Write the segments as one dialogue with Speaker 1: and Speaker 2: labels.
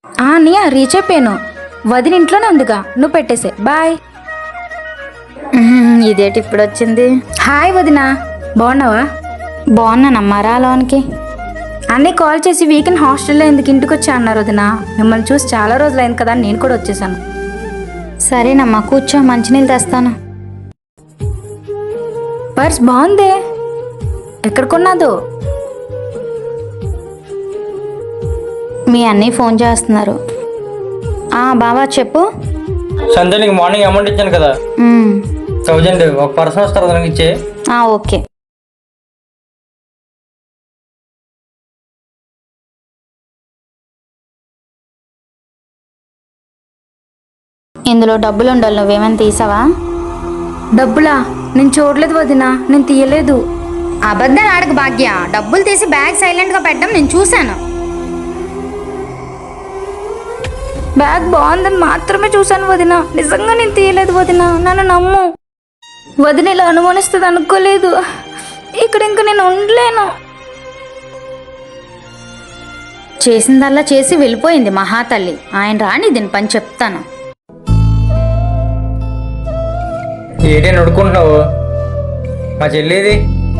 Speaker 1: అన్నయ్య రీచ్ అయిపోయాను. వదిన ఇంట్లోనే ఉందిగా, నువ్వు పెట్టేసే. బాయ్.
Speaker 2: ఇదేంటి ఇప్పుడు వచ్చింది?
Speaker 1: హాయ్ వదిన, బాగున్నావా?
Speaker 2: బాగున్నానమ్మా, రా లోనికి.
Speaker 1: అన్నయ్య కాల్ చేసి వీకెండ్ హాస్టల్లో ఎందుకు ఇంటికి వచ్చా అన్నారు వదిన. మిమ్మల్ని చూసి చాలా రోజులు అయింది కదా, నేను కూడా వచ్చేసాను.
Speaker 2: సరేనమ్మా, కూర్చో, మంచినీళ్ళు తెస్తాను.
Speaker 1: పర్స్ బాగుందే, ఎక్కడ కొన్నాదో?
Speaker 2: మీ అన్నయ్య ఫోన్ చేస్తున్నారు. బావా చెప్పు.
Speaker 3: సంధ్య నీకు మార్నింగ్ అమౌంట్ ఇచ్చాను కదా, 1000. ఒక పర్సన్ వస్తారు దానికి ఇచ్చే.
Speaker 2: ఓకే. ఇందులో డబ్బులు ఉండాలి, నువ్వేమైనా తీసావా?
Speaker 1: డబ్బులా? నేను చూడలేదు వదిన, నేను తీయలేదు.
Speaker 2: అబద్ధాలు ఆడకు భాగ్య. డబ్బులు తీసి బ్యాగ్ సైలెంట్గా పెట్టడం నేను చూశాను.
Speaker 1: బ్యాగ్ బాగుందని మాత్రమే చూశాను వదిన, నిజంగా నేను తీయలేదు వదిన, నన్ను నమ్ము. వదిన ఇలా అనుమానిస్తుంది అనుకోలేదు. ఇక్కడ ఇంక నేను ఉండలేను.
Speaker 2: చేసిందల్లా చేసి వెళ్ళిపోయింది మహాతల్లి. ఆయన రాని దీని పని చెప్తాను.
Speaker 3: ఏంటని అడుక్కుంటున్నావు? మా చెల్లిది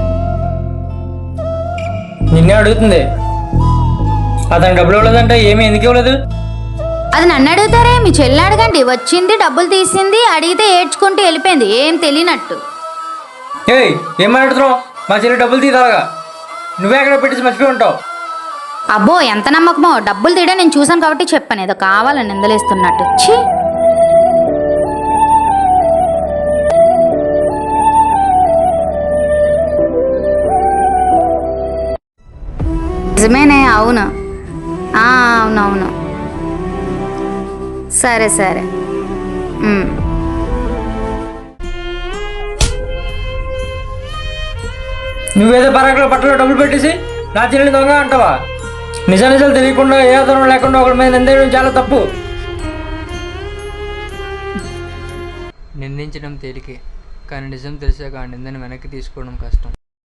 Speaker 3: నిన్నే అడుగుతుంది. అతను డబ్బులు ఇవ్వలేదంటే ఏమీ ఎందుకు ఇవ్వలేదు?
Speaker 2: అది నన్ను అడుగుతారే, మీ చెల్లి అడగండి. వచ్చింది, డబ్బులు తీసింది, అడిగితే ఏడ్చుకుంటూ వెళ్ళిపోయింది, ఏం తెలియనట్టు.
Speaker 3: ఏం మాట్లాడుతున్నావు? మా చెల్లి డబ్బులు తీదాగా నువ్వే అక్కడ పెట్టేసి మర్చిపోయి ఉంటావు.
Speaker 2: అబ్బో ఎంత నమ్మకమో. డబ్బులు తీయడం నేను చూసాను కాబట్టి చెప్పాను, ఏదో కావాలని నిందలేస్తున్నట్టు. ఛీ, నిజమేనే. అవును, అవునవును. సరే సరే.
Speaker 3: నువ్వేదో పరాకులో బట్టలో డబ్బులు పెట్టేసి నా చెల్లిని దొంగ అంటావా? నిజాలు తెలియకుండా ఏ ఆధారం లేకుండా ఒకరి మీద నిందేయడం చాలా తప్పు.
Speaker 4: నిందించడం తేలికే, కానీ నిజం తెలిసాక ఆ నిందను వెనక్కి తీసుకోవడం కష్టం.